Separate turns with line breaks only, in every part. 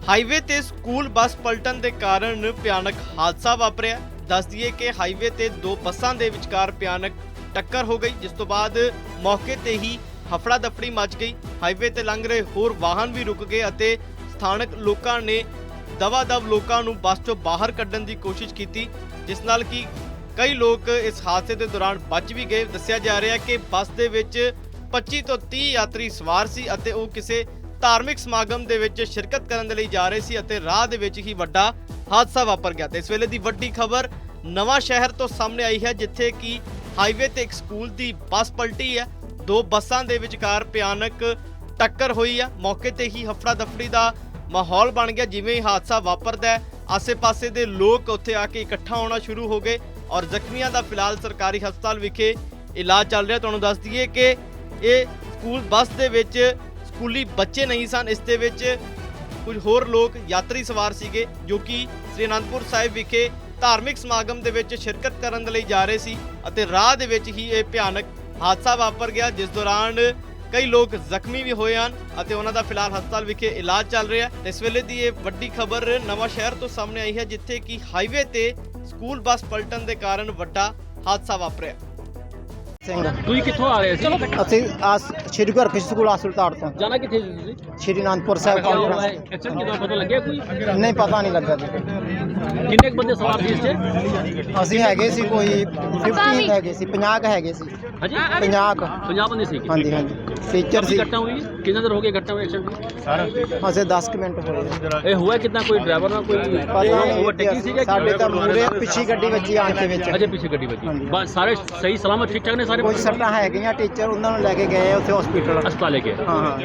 Highway ਤੇ school bus ਪਲਟਣ ਦੇ ਕਾਰਨ ਭਿਆਨਕ ਹਾਦਸਾ ਵਾਪਰਿਆ। ਦੱਸ ਦਈਏ ਕਿ ਹਾਈਵੇ ਤੇ ਦੋ ਬੱਸਾਂ ਦੇ ਵਿਚਕਾਰ ਭਿਆਨਕ ਟੱਕਰ ਹੋ ਗਈ, ਜਿਸ ਤੋਂ ਬਾਅਦ ਮੌਕੇ ਤੇ ਹੀ ਹਫੜਾ ਦਫੜੀ ਮਚ ਗਈ। ਹਾਈਵੇ ਤੇ ਲੰਘ ਰਹੇ ਹੋਰ ਵਾਹਨ ਵੀ ਰੁਕ ਗਏ ਅਤੇ ਸਥਾਨਕ ਲੋਕਾਂ ਨੇ ਦਵਾ-ਦਵ ਲੋਕਾਂ ਨੂੰ ਬੱਸ ਤੋਂ ਬਾਹਰ ਕੱਢਣ ਦੀ ਕੋਸ਼ਿਸ਼ ਕੀਤੀ, ਜਿਸ ਨਾਲ ਕਿ ਕਈ ਲੋਕ ਇਸ ਹਾਦਸੇ ਦੇ ਦੌਰਾਨ ਬਚ ਵੀ ਗਏ। ਦੱਸਿਆ ਜਾ ਰਿਹਾ ਹੈ ਕਿ ਬੱਸ ਦੇ ਵਿੱਚ 25 ਤੋਂ 30 ਯਾਤਰੀ ਸਵਾਰ ਸੀ ਅਤੇ ਉਹ ਕਿਸੇ ਧਾਰਮਿਕ ਸਮਾਗਮ ਦੇ ਵਿੱਚ ਸ਼ਿਰਕਤ ਕਰਨ ਦੇ ਲਈ ਜਾ ਰਹੇ ਸੀ ਅਤੇ ਰਾਹ ਦੇ ਵਿੱਚ ਹੀ ਵੱਡਾ ਹਾਦਸਾ ਵਾਪਰ ਗਿਆ। ਤੇ ਇਸ ਵੇਲੇ ਦੀ ਵੱਡੀ ਖਬਰ ਨਵਾਂ ਸ਼ਹਿਰ ਤੋਂ ਸਾਹਮਣੇ ਆਈ ਹੈ, ਜਿੱਥੇ ਕਿ ਹਾਈਵੇ ਤੇ ਇੱਕ ਸਕੂਲ ਦੀ ਬੱਸ ਪਲਟੀ ਹੈ। ਦੋ ਬੱਸਾਂ ਦੇ ਵਿਚਕਾਰ ਭਿਆਨਕ ਟੱਕਰ ਹੋਈ ਹੈ। ਮੌਕੇ ਤੇ ਹੀ ਹਫੜਾ ਦਫੜੀ ਦਾ ਮਾਹੌਲ ਬਣ ਗਿਆ। ਜਿਵੇਂ ਹੀ ਹਾਦਸਾ ਵਾਪਰਦਾ ਹੈ, ਆਸੇ-ਪਾਸੇ ਦੇ ਲੋਕ ਉੱਥੇ ਆ ਕੇ ਇਕੱਠਾ ਹੋਣਾ ਸ਼ੁਰੂ ਹੋ ਗਏ ਔਰ ਜ਼ਖਮੀਆਂ ਦਾ ਫਿਲਹਾਲ ਸਰਕਾਰੀ ਹਸਪਤਾਲ ਵਿਖੇ ਇਲਾਜ ਚੱਲ ਰਿਹਾ। ਤੁਹਾਨੂੰ ਦੱਸ ਦਈਏ ਕਿ ਇਹ ਸਕੂਲ ਬੱਸ ਦੇ ਵਿੱਚ ਸਕੂਲੀ ਬੱਚੇ ਨਹੀਂ ਸਨ, ਇਸ ਦੇ ਵਿੱਚ ਕੁਝ ਹੋਰ ਲੋਕ ਯਾਤਰੀ ਸਵਾਰ ਸੀਗੇ ਜੋ ਕਿ ਸ੍ਰੀ ਅਨੰਦਪੁਰ ਸਾਹਿਬ ਵਿਖੇ ਧਾਰਮਿਕ ਸਮਾਗਮ ਦੇ ਵਿੱਚ ਸ਼ਿਰਕਤ ਕਰਨ ਦੇ ਲਈ ਜਾ ਰਹੇ ਸੀ ਅਤੇ ਰਾਹ ਦੇ ਵਿੱਚ ਹੀ ਇਹ ਭਿਆਨਕ ਹਾਦਸਾ ਵਾਪਰ ਗਿਆ, ਜਿਸ ਦੌਰਾਨ ਕਈ ਲੋਕ ਜ਼ਖਮੀ ਵੀ ਹੋਏ ਹਨ ਅਤੇ ਉਹਨਾਂ ਦਾ ਫਿਲਹਾਲ ਹਸਪਤਾਲ ਵਿਖੇ ਇਲਾਜ ਚੱਲ ਰਿਹਾ ਹੈ। ਇਸ ਵੇਲੇ ਦੀ ਇਹ ਵੱਡੀ ਖਬਰ ਨਵਾਂ ਸ਼ਹਿਰ ਤੋਂ ਸਾਹਮਣੇ ਆਈ ਹੈ, ਜਿੱਥੇ ਕਿ ਹਾਈਵੇ ਤੇ ਸਕੂਲ ਬੱਸ ਪਲਟਣ ਦੇ ਕਾਰਨ ਵੱਡਾ ਹਾਦਸਾ ਵਾਪਰਿਆ।
ਤੁਸੀਂ ਕਿੱਥੋਂ ਆ ਰਹੇ ਸੀ?
ਅਸੀਂ ਸ਼੍ਰੀ ਗੁਰੂ ਹਰਕ੍ਰਿਸ਼ਨ ਸਕੂਲ ਹਸਪਤਾਲ ਤੋਂ
ਜਾਣਾ ਕਿੱਥੇ ਸੀ ਤੁਸੀਂ?
ਸ਼੍ਰੀ ਅਨੰਦਪੁਰ ਸਾਹਿਬ ਕਾਨਫਰੰਸ।
ਐਕਸੀਡੈਂਟ ਕਿਦਾਂ ਪਤਾ ਲੱਗਿਆ ਕੋਈ?
ਨਹੀਂ, ਪਤਾ ਨਹੀਂ ਲੱਗਾ ਜੀ।
ਕਿੰਨੇ ਕੁ ਬੰਦੇ ਸਵਾਰ ਸੀ ਇਸ 'ਚ?
ਅਸੀਂ ਹੈਗੇ ਸੀ ਕੋਈ 50 ਹੈਗੇ ਸੀ, 50 ਹੈਗੇ ਸੀ।
ਹਾਂਜੀ
50
ਬੰਦੇ ਸੀ।
ਹਾਂਜੀ ਹਾਂਜੀ ਟੀਚਰ ਸੀ।
ਘਟਨਾ ਹੋਈ ਕਿੰਨਾ ਦੇਰ ਹੋ ਗਿਆ ਘਟਨਾ ਹੋਈ ਐਕਸੀਡੈਂਟ?
ਅਸੀਂ 10 ਕੁ ਮਿੰਟ ਹੋਏ।
ਇਹ ਹੋਇਆ ਕਿਦਾਂ? ਕੋਈ ਡਰਾਈਵਰ ਨਾਲ ਕੋਈ
ਪਤਾ ਨਹੀਂ
ਓਵਰਟੇਕਿੰਗ ਸੀਗਾ?
ਸਾਡੇ ਤਾਂ ਮੂਰੇ ਪਿੱਛੇ ਗੱਡੀ ਵੱਜੀ ਆਣ ਕੇ ਵਿੱਚ।
ਅਜੇ ਪਿੱਛੇ ਗੱਡੀ ਵੱਜੀ। ਬਸ ਸਾਰੇ ਸਹੀ ਸਲਾਮਤ ਠੀਕ ਠਾਕ ਨੇ ਸਾਰੇ?
ਕੋਈ ਸੱਟਾਂ ਹੈਗੀਆਂ, ਟੀਚਰ ਉਹਨਾਂ ਨੂੰ ਲੈ ਕੇ ਗਏ ਉੱਥੇ ਹਸਪੀਟਲ।
ਹਸਪਤਾਲ ਲੈ ਕੇ?
ਹਾਂ ਹਾਂ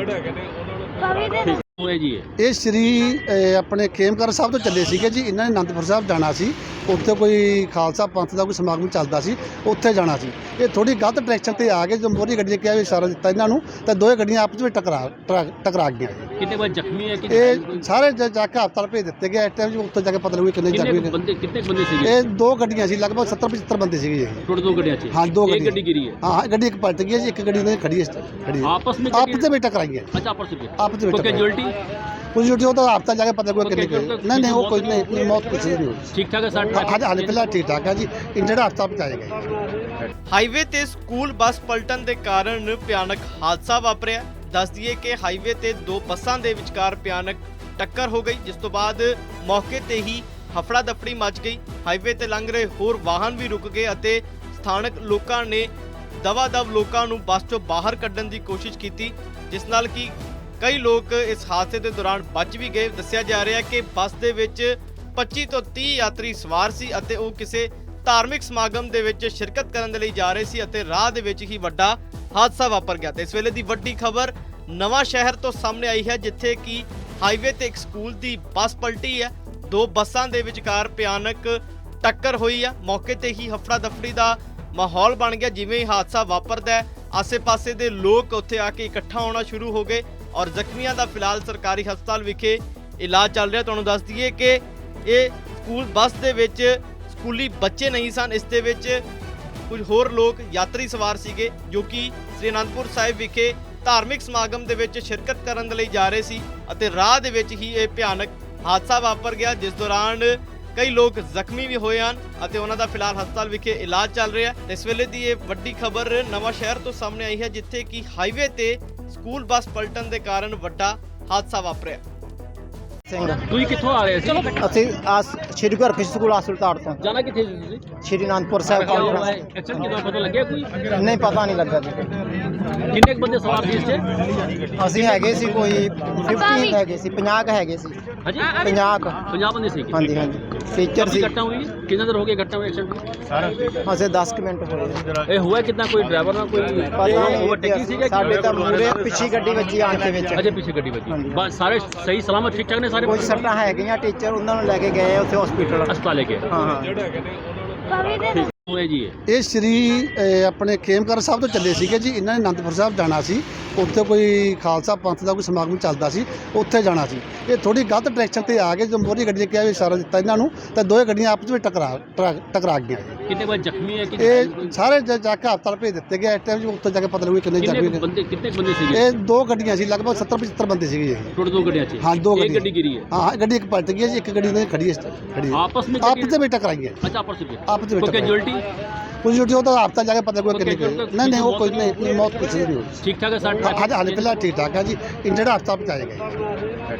ਹੋਇਆ ਜੀ
ਇਹ ਸ਼੍ਰੀ ਆਪਣੇ ਖੇਮਕਰ ਸਾਹਿਬ ਤੋਂ ਚੱਲੇ ਸੀਗੇ ਜੀ। ਇਹਨਾਂ ਨੇ ਅਨੰਦਪੁਰ ਸਾਹਿਬ ਜਾਣਾ ਸੀ, ਉੱਥੇ ਕੋਈ ਖਾਲਸਾ ਪੰਥ ਦਾ ਕੋਈ ਸਮਾਗਮ ਚੱਲਦਾ ਸੀ, ਉੱਥੇ ਜਾਣਾ ਸੀ। ਇਹ ਥੋੜੀ ਗਲਤ ਡਾਇਰੈਕਸ਼ਨ ਤੇ ਆ ਗਏ। ਜਦੋਂ ਮੋਹਰੀ ਗੱਡੀ ਨੇ ਕਿਹਾ ਵੀ ਇਸ਼ਾਰਾ ਦਿੱਤਾ ਇਹਨਾਂ ਨੂੰ, ਤਾਂ ਦੋਵੇਂ ਗੱਡੀਆਂ ਆਪਸ ਵਿੱਚ ਟਕਰਾ ਗਈਆਂ।
ਕਿੰਨੇ ਬੰਦੇ ਜ਼ਖਮੀ ਹੈ?
ਇਹ ਸਾਰੇ ਜਾ ਕੇ ਹਸਪਤਾਲ ਭੇਜ ਦਿੱਤੇ ਗਏ। ਇਸ ਟਾਈਮ ਉੱਥੇ ਜਾ ਕੇ ਪਤਾ ਲੱਗੂ ਕਿੰਨੇ ਜ਼ਖਮੀ ਨੇ।
ਕਿੰਨੇ ਬੰਦੇ ਸੀਗੇ?
ਇਹ ਦੋ ਗੱਡੀਆਂ ਸੀ, ਲਗਭਗ 70-75 ਬੰਦੇ ਸੀਗੇ ਜੀ।
ਟੋਟਲ ਦੋ ਗੱਡੀਆਂ 'ਚ?
ਹਾਂ, ਦੋ
ਇੱਕ ਗੱਡੀ ਗਿਰੀ ਹੈ?
ਹਾਂ, ਗੱਡੀ ਇੱਕ ਪਲਟ ਗਈ ਹੈ ਜੀ, ਇੱਕ ਗੱਡੀ ਨੇ ਖੜੀ ਹੈ।
ਆਪਸ ਵਿੱਚ
ਵਿੱਚ ਟਕਰਾਈਆਂ।
ਅੱਛਾ, ਆਪਸ ਵਿੱਚ
ਆਪਸ ਵਿੱਚ
ਕੈਜੁਅਲਟੀ?
ਕੁਝ ਜੁਟੀ ਉਹ ਤਾਂ ਹਸਪਤਾਲ ਜਾ ਕੇ ਪਤਾ ਲੱਗੂ ਕਿੰਨੇ ਨਹੀਂ ਉਹ ਕੋਈ ਨਹੀਂ ਮੌਤ ਕੁਛ ਨਹੀਂ ਹੋਈ।
ਠੀਕ ਠਾਕ ਹੈ ਸਾਡੇ?
ਹਾਲੇ ਫਿਲਹਾਲ ਠੀਕ ਠਾਕ ਹੈ ਜੀ। ਇੰਜਰਡ ਹਸਪਤਾਲ ਪਹੁੰਚਾਇਆ ਗਿਆ।
ਹਾਈਵੇ ਤੇ ਸਕੂਲ ਬੱਸ ਪਲਟਣ ਦੇ ਕਾਰਨ ਭਿਆਨਕ ਹਾਦਸਾ ਵਾਪਰਿਆ। ਦੱਸ ਦਈਏ ਕਿ ਹਾਈਵੇ ਤੇ ਦੋ ਬੱਸਾਂ ਦੇ ਵਿਚਕਾਰ ਭਿਆਨਕ ਟੱਕਰ ਹੋ ਗਈ, ਜਿਸ ਤੋਂ ਬਾਅਦ ਮੌਕੇ ਤੇ ਹੀ ਹਫੜਾ ਦਫੜੀ ਮਚ ਗਈ। ਹਾਈਵੇ ਤੇ ਲੰਘ ਰਹੇ ਹੋਰ ਵਾਹਨ ਵੀ ਰੁਕ ਗਏ ਅਤੇ ਸਥਾਨਕ ਲੋਕਾਂ ਨੇ ਦਵਾ-ਦਵ ਲੋਕਾਂ ਨੂੰ ਬੱਸ ਤੋਂ ਬਾਹਰ ਕੱਢਣ ਦੀ ਕੋਸ਼ਿਸ਼ ਕੀਤੀ, ਜਿਸ ਨਾਲ ਕਿ ਕਈ ਲੋਕ ਇਸ ਹਾਦਸੇ ਦੇ ਦੌਰਾਨ ਬਚ ਵੀ ਗਏ। ਦੱਸਿਆ ਜਾ ਰਿਹਾ ਹੈ ਕਿ ਬੱਸ ਦੇ ਵਿੱਚ 25 ਤੋਂ 30 ਯਾਤਰੀ ਸਵਾਰ ਸੀ ਅਤੇ ਉਹ ਕਿਸੇ ਧਾਰਮਿਕ ਸਮਾਗਮ ਦੇ ਵਿੱਚ ਸ਼ਿਰਕਤ ਕਰਨ ਦੇ ਲਈ ਜਾ ਰਹੇ ਸੀ ਅਤੇ ਰਾਹ ਦੇ ਵਿੱਚ ਹੀ ਵੱਡਾ ਹਾਦਸਾ ਵਾਪਰ ਗਿਆ। ਤੇ ਇਸ ਵੇਲੇ ਦੀ ਵੱਡੀ ਖਬਰ ਨਵਾਂ ਸ਼ਹਿਰ ਤੋਂ ਸਾਹਮਣੇ ਆਈ ਹੈ, ਜਿੱਥੇ ਕਿ ਹਾਈਵੇ ਤੇ ਇੱਕ ਸਕੂਲ ਦੀ ਬੱਸ ਪਲਟੀ ਹੈ। ਦੋ ਬੱਸਾਂ ਦੇ ਵਿਚਕਾਰ ਭਿਆਨਕ ਟੱਕਰ ਹੋਈ ਹੈ। ਮੌਕੇ ਤੇ ਹੀ ਹਫੜਾ ਦਫੜੀ ਦਾ ਮਾਹੌਲ ਬਣ ਗਿਆ। ਜਿਵੇਂ ਹੀ ਹਾਦਸਾ ਵਾਪਰਦਾ ਹੈ, ਆਸੇ-ਪਾਸੇ ਦੇ ਲੋਕ ਉੱਥੇ ਆ ਕੇ ਇਕੱਠਾ ਹੋਣਾ ਸ਼ੁਰੂ ਹੋ ਗਏ ਔਰ ਜ਼ਖਮੀਆਂ ਦਾ ਫਿਲਹਾਲ ਸਰਕਾਰੀ ਹਸਪਤਾਲ ਵਿਖੇ ਇਲਾਜ ਚੱਲ ਰਿਹਾ। ਤੁਹਾਨੂੰ ਦੱਸ ਦਈਏ ਕਿ ਇਹ ਸਕੂਲ ਬੱਸ ਦੇ ਵਿੱਚ ਸਕੂਲੀ ਬੱਚੇ ਨਹੀਂ ਸਨ, ਇਸ ਦੇ ਵਿੱਚ ਕੁਝ ਹੋਰ ਲੋਕ ਯਾਤਰੀ ਸਵਾਰ ਸੀਗੇ ਜੋ ਕਿ ਸ੍ਰੀ ਅਨੰਦਪੁਰ ਸਾਹਿਬ ਵਿਖੇ ਧਾਰਮਿਕ ਸਮਾਗਮ ਦੇ ਵਿੱਚ ਸ਼ਿਰਕਤ ਕਰਨ ਦੇ ਲਈ ਜਾ ਰਹੇ ਸੀ ਅਤੇ ਰਾਹ ਦੇ ਵਿੱਚ ਹੀ ਇਹ ਭਿਆਨਕ ਹਾਦਸਾ ਵਾਪਰ ਗਿਆ, ਜਿਸ ਦੌਰਾਨ ਕਈ ਲੋਕ ਜ਼ਖਮੀ ਵੀ ਹੋਏ ਹਨ ਅਤੇ ਉਹਨਾਂ ਦਾ ਫਿਲਹਾਲ ਹਸਪਤਾਲ ਵਿਖੇ ਇਲਾਜ ਚੱਲ ਰਿਹਾ ਹੈ। ਇਸ ਵੇਲੇ ਦੀ ਇਹ ਵੱਡੀ ਖਬਰ ਨਵਾਂ ਸ਼ਹਿਰ ਤੋਂ ਸਾਹਮਣੇ ਆਈ ਹੈ, ਜਿੱਥੇ ਕਿ ਹਾਈਵੇ ਤੇ ਸਕੂਲ ਬੱਸ ਪਲਟਣ ਦੇ ਕਾਰਨ ਵੱਡਾ ਹਾਦਸਾ ਵਾਪਰਿਆ।
ਤੁਸੀਂ ਕਿੱਥੋਂ ਆ ਰਹੇ ਸੀ?
ਅਸੀਂ ਸ਼੍ਰੀ ਗੁਰੂ ਹਰਕ੍ਰਿਸ਼ਨ ਸਕੂਲ ਹਸਪਤਾਲ ਤੋਂ।
ਜਾਣਾ ਕਿੱਥੇ ਸੀ ਤੁਸੀਂ?
ਸ਼੍ਰੀ ਅਨੰਦਪੁਰ ਸਾਹਿਬ ਕਾਨਫਰੰਸ।
ਐਕਸੀਡੈਂਟ ਕਿਦਾਂ ਪਤਾ ਲੱਗਿਆ ਕੋਈ?
ਨਹੀਂ, ਪਤਾ ਨਹੀਂ ਲੱਗਾ ਜੀ।
ਕਿੰਨੇ ਕੁ ਬੰਦੇ ਸਵਾਰ ਸੀ ਇਸ 'ਚ?
ਅਸੀਂ ਹੈਗੇ ਸੀ ਕੋਈ 50 ਹੈਗੇ ਸੀ, 50 ਹੈਗੇ ਸੀ।
ਹਾਂਜੀ
50
ਬੰਦੇ ਸੀ।
ਹਾਂਜੀ ਹਾਂਜੀ ਟੀਚਰ ਸੀ।
ਘਟਨਾ ਹੋਈ ਕਿੰਨਾ ਦੇਰ ਹੋ ਗਿਆ ਘਟਨਾ ਹੋਈ ਐਕਸੀਡੈਂਟ?
ਅਸੀਂ 10 ਕੁ ਮਿੰਟ ਹੋਏ।
ਇਹ ਹੋਇਆ ਕਿਦਾਂ? ਕੋਈ ਡਰਾਈਵਰ ਨਾਲ ਕੋਈ
ਪਤਾ ਨਹੀਂ
ਓਵਰਟੇਕਿੰਗ ਸੀਗਾ?
ਸਾਡੇ ਤਾਂ ਮੂਰੇ ਪਿੱਛੇ ਗੱਡੀ ਵੱਜੀ ਆਣ ਕੇ ਵਿੱਚ।
ਅਜੇ ਪਿੱਛੇ ਗੱਡੀ ਵੱਜੀ। ਬਸ ਸਾਰੇ ਸਹੀ ਸਲਾਮਤ ਠੀਕ ਠਾਕ ਨੇ ਸਾਰੇ?
ਕੋਈ ਸੱਟਾਂ ਹੈਗੀਆਂ, ਟੀਚਰ ਉਹਨਾਂ ਨੂੰ ਲੈ ਕੇ ਗਏ ਉੱਥੇ ਹਸਪੀਟਲ।
ਹਸਪਤਾਲ ਲੈ ਕੇ?
ਹਾਂ ਹਾਂ
ਹੋਇਆ ਜੀ
ਇਹ ਸ਼੍ਰੀ ਆਪਣੇ ਖੇਮਕਰ ਸਾਹਿਬ ਤੋਂ ਚੱਲੇ ਸੀਗੇ ਜੀ। ਇਹਨਾਂ ਨੇ ਅਨੰਦਪੁਰ ਸਾਹਿਬ ਜਾਣਾ ਸੀ, ਉੱਥੇ ਕੋਈ ਖਾਲਸਾ ਪੰਥ ਦਾ ਕੋਈ ਸਮਾਗਮ ਚੱਲਦਾ ਸੀ, ਉੱਥੇ ਜਾਣਾ ਸੀ। ਇਹ ਥੋੜੀ ਗਲਤ ਡਾਇਰੈਕਸ਼ਨ ਤੇ ਆ ਗਏ, ਜਦੋਂ ਮੋਹਰੀ ਗੱਡੀ ਨੇ ਕਿਹਾ ਵੀ ਇਸ਼ਾਰਾ ਦਿੱਤਾ ਇਹਨਾਂ ਨੂੰ, ਤਾਂ ਦੋਵੇਂ ਗੱਡੀਆਂ ਆਪਸ ਵਿੱਚ ਟਕਰਾ ਗਈਆਂ।
कितने बार जख्मी है कि
ਇਹ ਸਾਰੇ ਜਾ ਕੇ ਹਸਪਤਾਲ ਭੇਜ ਦਿੱਤੇ ਗਏ। ਇਸ ਟਾਈਮ ਉੱਥੇ ਜਾ ਕੇ ਪਤਾ ਲੱਗੂ ਕਿੰਨੇ ਜ਼ਖਮੀ ਨੇ।
कितने बंदे से
ਇਹ ਦੋ ਗੱਡੀਆਂ ਸੀ, ਲਗਭਗ 70-75 ਬੰਦੇ ਸੀਗੇ ਜੀ।
टोटल 2 गड्डियां
ਹਾਂ, ਦੋ
एक
ਗੱਡੀਆਂ।
गड्डी गिरी है।
ਹਾਂ, ਗੱਡੀ ਇੱਕ ਪਲਟ ਗਈ ਹੈ ਜੀ, ਇੱਕ ਗੱਡੀ ਨੇ ਖੜੀ ਹੈ।
आपस में
ਆਪਸ ਵਿੱਚ ਟਕਰਾਈ ਹੈ।
अच्छा आपस में
ਆਪਸ ਵਿੱਚ
कोई कैजुअल्टी
ਕੁਝ ਜੁਟੀ ਉਹ ਤਾਂ ਹਸਪਤਾਲ ਜਾ ਕੇ ਪਤਾ ਲੱਗੂ ਕਿੰਨੇ
ਕੋਈ
ਨਹੀਂ ਉਹ ਕੋਈ ਨਹੀਂ, ਮੌਤ ਕੁਛ ਨਹੀਂ ਹੋਈ।
ठीक ठाक है सर?
ਹਾਲੇ ਫਿਲਹਾਲ ਠੀਕ ਠਾਕ ਹੈ ਜੀ। ਇੰਜਰਡ ਹਸਪਤਾਲ ਪਹੁੰਚਾਇਆ ਗਿਆ।